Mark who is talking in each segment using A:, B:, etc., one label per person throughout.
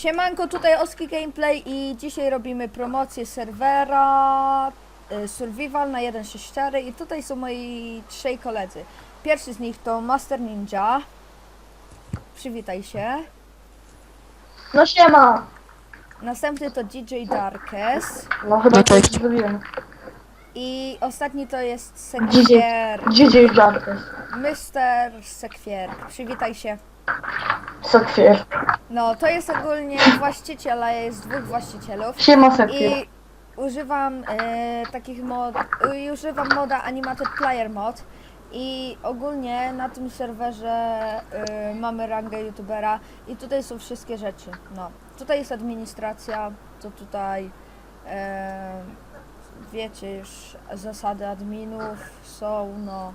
A: Siemanko, tutaj Oski Gameplay i dzisiaj robimy promocję serwera Survival na 1.6.4 i tutaj są moi trzej koledzy. Pierwszy z nich to Master Ninja. Przywitaj się.
B: No siema!
A: Następny to DJ Darkes.
B: No chyba coś zrobiłem.
A: I ostatni to jest Sekwier.
B: DJ Jarkes.
A: Mr. Sekwier. Przywitaj się.
B: Sekwier.
A: No, to jest ogólnie właściciel, a jest dwóch właścicielów.
B: Siema Sekwier.
A: I używam takich mod, używam moda Animated Player Mod i ogólnie na tym serwerze mamy rangę youtubera i tutaj są wszystkie rzeczy. No, tutaj jest administracja, to tutaj wiecie już zasady adminów są, no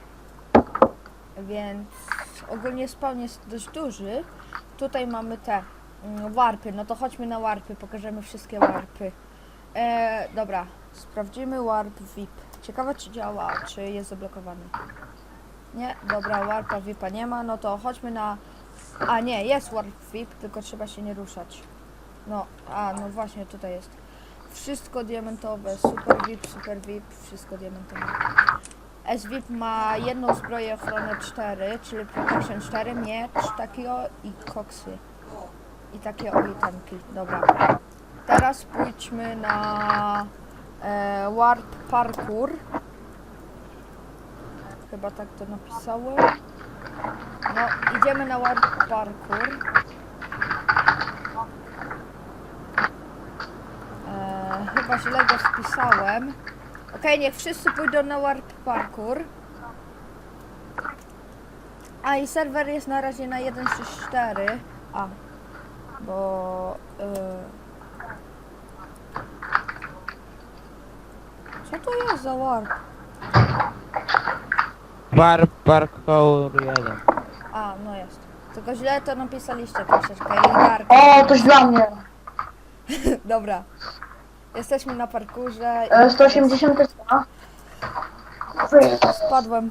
A: więc ogólnie spawn jest dość duży. Tutaj mamy te warpy, no to chodźmy na warpy, pokażemy wszystkie warpy. Dobra, sprawdzimy warp VIP. Ciekawe czy działa, czy jest zablokowany. Nie, dobra, warpa VIPa nie ma, no to chodźmy na... A nie, jest warp VIP, tylko trzeba się nie ruszać. No, no właśnie, tutaj jest. Wszystko diamentowe, super VIP, wszystko diamentowe. SVIP ma jedną zbroję ochronę 4, czyli protection 4, miecz takiego i koksy. I takie itemki, dobra. Teraz pójdźmy na warp parkour. Chyba tak to napisałem. No, idziemy na warp parkour. Chyba źle go wpisałem. Okej, niech wszyscy pójdą na warp parkour. A i serwer jest na razie na 1.6.4. Bo... co to jest za warp?
C: Warp parkour 1.
A: No jest. Tylko źle to napisaliście troszeczkę i Dark.
B: O, coś dla mnie.
A: Dobra. Jesteśmy na parkurze.
B: 180 teska.
A: Spadłem.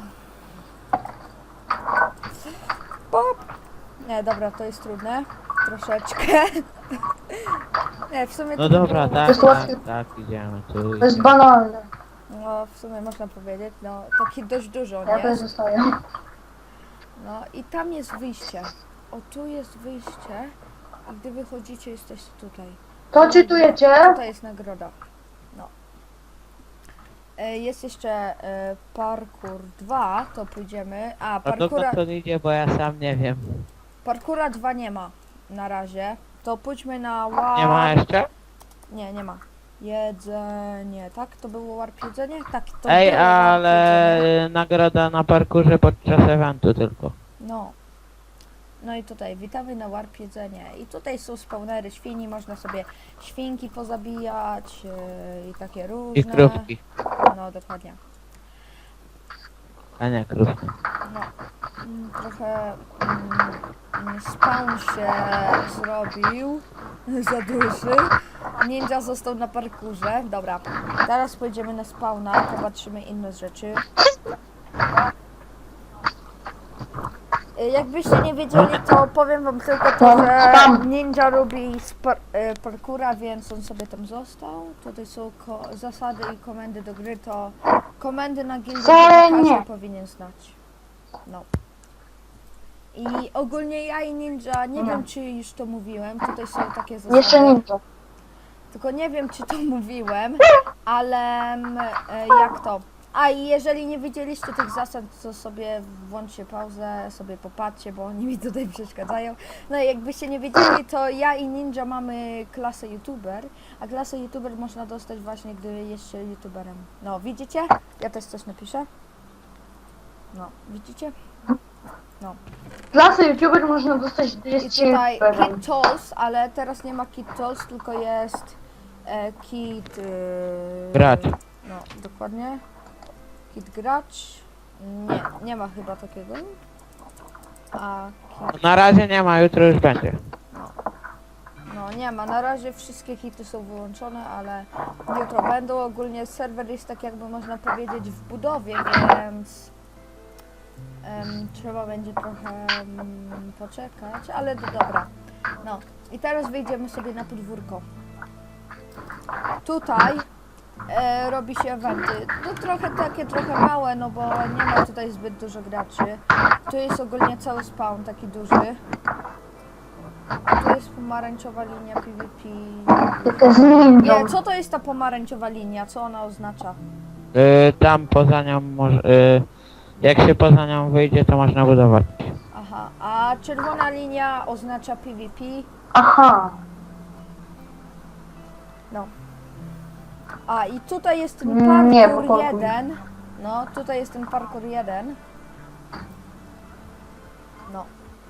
A: Pop. Nie, dobra, to jest trudne. Troszeczkę. Nie, w sumie
C: No
A: to
C: dobra,
A: było-
C: tak, idziemy tu.
B: To jest banalne.
A: No, w sumie można powiedzieć, no, taki dość dużo,
B: Ja
A: nie?
B: też zostaję.
A: No i tam jest wyjście. O, tu jest wyjście. I gdy wychodzicie, jesteście tutaj.
B: To czytujecie?
A: Tutaj jest nagroda. No. Jest jeszcze parkour 2, to pójdziemy.
C: A to
A: Parkoura,
C: to idzie, bo ja sam nie wiem.
A: parkoura 2 nie ma na razie. To pójdźmy na
C: Nie ma jeszcze?
A: Nie, nie ma. Jedzenie, tak? To było warp jedzenie? Tak, to
C: Ej,
A: było warp
C: ale
A: jedzenie.
C: nagroda na parkurze podczas eventu tylko.
A: No. No i tutaj, witamy na warp jedzenie. I tutaj są spawnery świni, można sobie świnki pozabijać i takie różne.
C: I krówki.
A: No, dokładnie.
C: A nie krówki.
A: No, trochę spawn się zrobił za duży. Ninja został na parkurze. Dobra, teraz pojedziemy na spawna, popatrzymy inne rzeczy. Jakbyście nie wiedzieli, to powiem wam tylko to, że Ninja lubi parkura, więc on sobie tam został. Tutaj są zasady i komendy do gry, to komendy na gildię każdy powinien znać. No. I ogólnie ja i Ninja, nie wiem czy już to mówiłem, tutaj są takie zasady.
B: Jeszcze ninja.
A: Tylko nie wiem czy to mówiłem, ale jak to? A i jeżeli nie widzieliście tych zasad, to sobie włączcie pauzę, sobie popatrzcie, bo oni mi tutaj przeszkadzają. No i jakbyście nie wiedzieli, to ja i Ninja mamy klasę YouTuber, a klasę YouTuber można dostać właśnie, gdy jest się YouTuberem. No, widzicie? Ja też coś napiszę. No, widzicie? No.
B: Klasy YouTuber można dostać, gdy
A: I
B: jest
A: tutaj
B: YouTuberem.
A: Kit Tools, ale teraz nie ma Kit Tools, tylko jest Kit...
C: Gracz.
A: No, dokładnie. Kit gracz. Nie ma chyba takiego. A kit,
C: Na razie nie ma, jutro już będzie.
A: no nie ma. Na razie wszystkie hity są wyłączone, ale jutro będą. Ogólnie serwer jest tak jakby można powiedzieć w budowie, więc trzeba będzie trochę poczekać, ale dobra. No, I teraz wyjdziemy sobie na podwórko. Tutaj robi się eventy. No trochę małe, no bo nie ma tutaj zbyt dużo graczy. Tu jest ogólnie cały spawn taki duży. Tu jest pomarańczowa linia PvP.
B: To jest ninja.
A: Nie, co to jest ta pomarańczowa linia? Co ona oznacza?
C: Tam poza nią może... jak się poza nią wyjdzie, to można budować.
A: Aha, a czerwona linia oznacza PvP.
B: Aha.
A: No. A i tutaj jest ten
B: Nie,
A: parkour
B: bo
A: 1. No, tutaj jest ten parkour 1. No.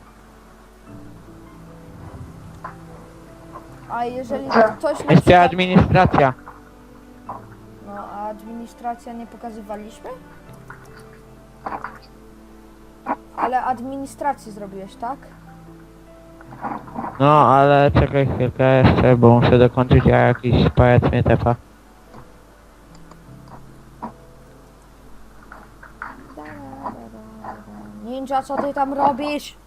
A: A jeżeli
B: Dobrze.
A: ktoś nie
C: Jeszcze
A: chce...
C: administracja.
A: No, a administracja nie pokazywaliśmy? Ale administrację zrobiłeś, tak?
C: No, ale czekaj chwilkę jeszcze, bo muszę dokończyć, a jakiś pajac mnie tepa.
A: Ninja, co ty tam robisz?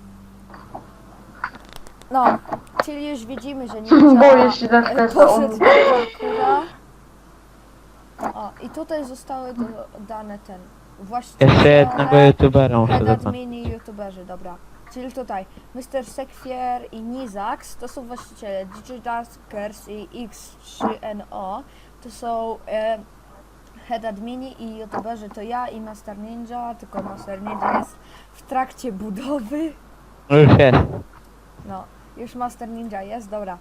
A: No, czyli już widzimy, że ninja
B: Boję się tak też.
A: poszedł do parkoura. O, i tutaj zostały dodane ten właściciele,
C: Jeszcze jednego youtubera muszę
A: head
C: dokończyć.
A: admini, youtuberzy, dobra. Czyli tutaj Mr. Sekwier i Nizax to są właściciele, Digitaskers i X3NO to są head admini i youtuberzy to ja i Master Ninja, tylko Master Ninja jest w trakcie budowy.
C: No już jest.
A: No, już Master Ninja jest, dobra.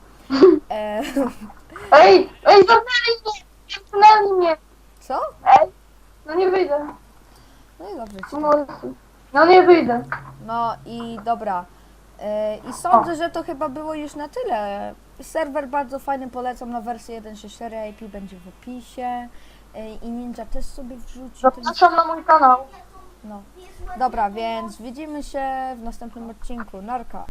B: Ej, zamknęli mnie! Zamknęli mnie!
A: Co?
B: Ej, no nie wyjdę.
A: No i dobrze ci.
B: No nie wyjdę.
A: No i dobra. I sądzę, że to chyba było już na tyle. Serwer bardzo fajny, polecam na wersję 1.6.4, IP będzie w opisie. I Ninja też sobie wrzuci.
B: Zapraszam na mój kanał.
A: No. Dobra, więc widzimy się w następnym odcinku. Narka.